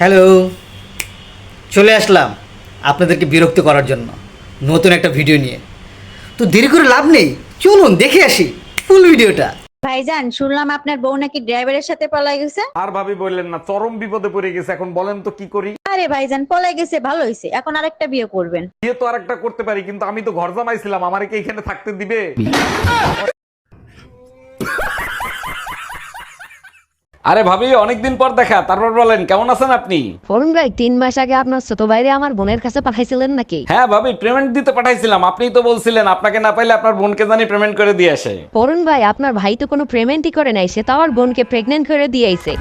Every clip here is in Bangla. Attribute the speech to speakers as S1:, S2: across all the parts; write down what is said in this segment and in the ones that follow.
S1: হ্যালো, চলে আসলাম আপনাদেরকে বিরক্ত করার জন্য নতুন একটা ভিডিও নিয়ে। তো দেরি করে লাভ নেই, চলুন দেখে আসি ফুল ভিডিওটা।
S2: ভাইজান, শুনলাম আপনার বউ নাকি ড্রাইভারের সাথে পলাই গেছে।
S3: আর ভাবি বললেন না, চরম বিপদে পড়ে গেছে। এখন বলেন তো কি করি?
S2: আরে ভাইজান, পলাই গেছে ভালো হয়েছে, এখন আরেকটা বিয়ে করবেন।
S3: বিয়ে তো আরেকটা করতে পারি, কিন্তু আমি তো ঘর জামাইছিলাম, আমারে কি এখানে থাকতে দিবে? আরে ভাবি, অনেকদিন পর দেখা, তারপর বলেন কেমন আছেন আপনি?
S4: অরুণ ভাই 3 মাস আগে আপনার ছোট ভাইরে আমার বোনের কাছে পাঠাইছিলেন নাকি?
S3: হ্যাঁ ভাবি, পেমেন্ট দিতে পাঠাইছিলাম। আপনিই তো বলছিলেন আপনাকে না পাইলে আপনার বোনকে জানি পেমেন্ট করে দিয়ে আসে।
S4: অরুণ ভাই, আপনার ভাই তো কোনো পেমেন্টই করে নাই, সে তো আমার বোনকে প্রেগনেন্ট করে দিয়েছে।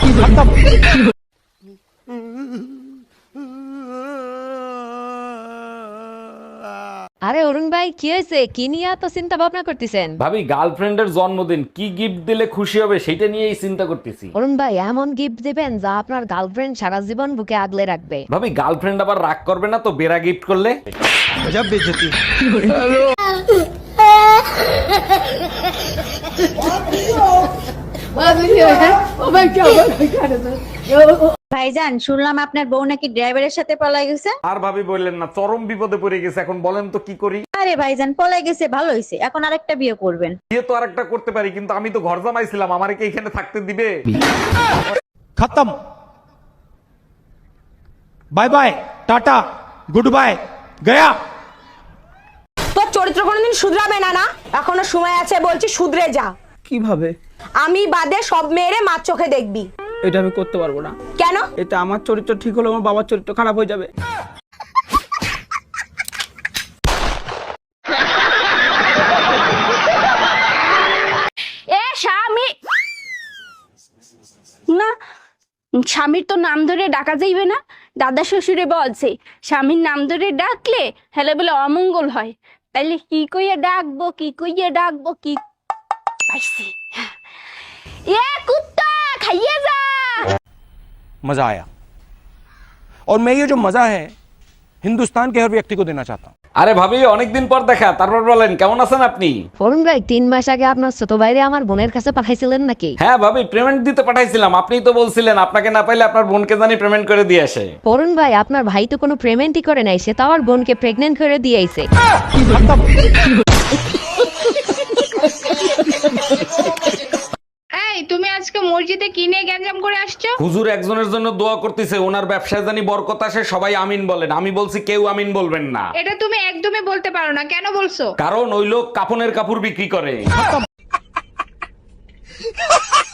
S4: আরে অরুণ ভাই, কি হয়েছে? কি নিয়ে এত চিন্তা ভাবনা করতেছেন?
S3: ভাবি, গার্লফ্রেন্ডের জন্মদিন, কি গিফট দিলে খুশি হবে সেটা নিয়েই চিন্তা করতেছি।
S4: অরুণ ভাই, এমন গিফট দিবেন যা আপনার গার্লফ্রেন্ড সারা জীবন বুকে আগলে রাখবে।
S3: ভাবি, গার্লফ্রেন্ড আবার রাগ করবে না তো বেড়া গিফট করলে?
S2: ভাইজান, শুনলাম আপনার বউ নাকি ড্রাইভারের সাথে পলাই গেছে।
S3: আর ভাবি বললেন না, চরম বিপদে পড়ে গেছে। এখন বলেন তো কি করি?
S2: আরে ভাইজান, পলাই গেছে ভালো হয়েছে, এখন আরেকটা বিয়ে করবেন।
S3: বিয়ে তো আরেকটা করতে পারি, কিন্তু আমি তো ঘর জামাইছিলাম, আমারে কি এখানে থাকতে দিবে?
S5: खत्म। Bye bye, tata, good bye, गया।
S6: তোর চরিত্র কোনোদিন শুধরাবে না না, এখনো সময় আছে, বলছি শুধরে যা।
S7: কিভাবে?
S6: আমি বাদে সব মেয়েরে মার চোখে দেখবি।
S7: এটা আমি করতে পারবো না।
S6: কেন?
S7: এটা আমার চরিত্র ঠিক হলে আমার বাবার চরিত্র খারাপ হয়ে যাবে।
S8: এ স্বামী না, স্বামীর তো নাম ধরে ডাকা যাইবে না। দাদা শ্বশুরে বলছে স্বামীর নাম ধরে ডাকলে হেলে বলে অমঙ্গল হয়। তাইলে কি কইয়া ডাকবো, কি কইয়া ডাকবো, কি পাইছি। এ কুত্তা, খাইয়ে যা।
S5: मजा आया, और मैं ये जो मजा है हिंदुस्तान के हर व्यक्ति को देना चाहता हूँ।
S3: আরে ভাবি, অনেকদিন পর দেখা, তারপর বলেন কেমন আছেন আপনি?
S4: অরুণ ভাই 3 মাস আগে আপনার ছোট ভাইরে আমার বোনের কাছে পাঠাইছিলেন নাকি?
S3: হ্যাঁ ভাবি, পেমেন্ট দিতে পাঠাইছিলাম। আপনিই তো বলছিলেন আপনাকে না পাইলে আপনার বোনকে জানি পেমেন্ট করে দিয়ে আসে।
S4: অরুণ ভাই, আপনার ভাই তো কোনো পেমেন্টই করে নাই, সে তো আমার বোনকে প্রেগনেন্ট করে দিয়েছে।
S9: এই, তুমি আজকে মসজিদে কি নিয়ে গ্যাঞ্জাম করে আসছো?
S3: হুজুর একজনের জন্য দোয়া করতেছে, ওনার ব্যবসায় জানি বরকত আসে, সবাই আমিন বলেন। আমি বলছি কেউ আমিন বলবেন না।
S9: এটা তুমি একদমই বলতে পারো না, কেন বলছো?
S3: কারণ ওই লোক কাপনের কাপড় বিক্রি করে।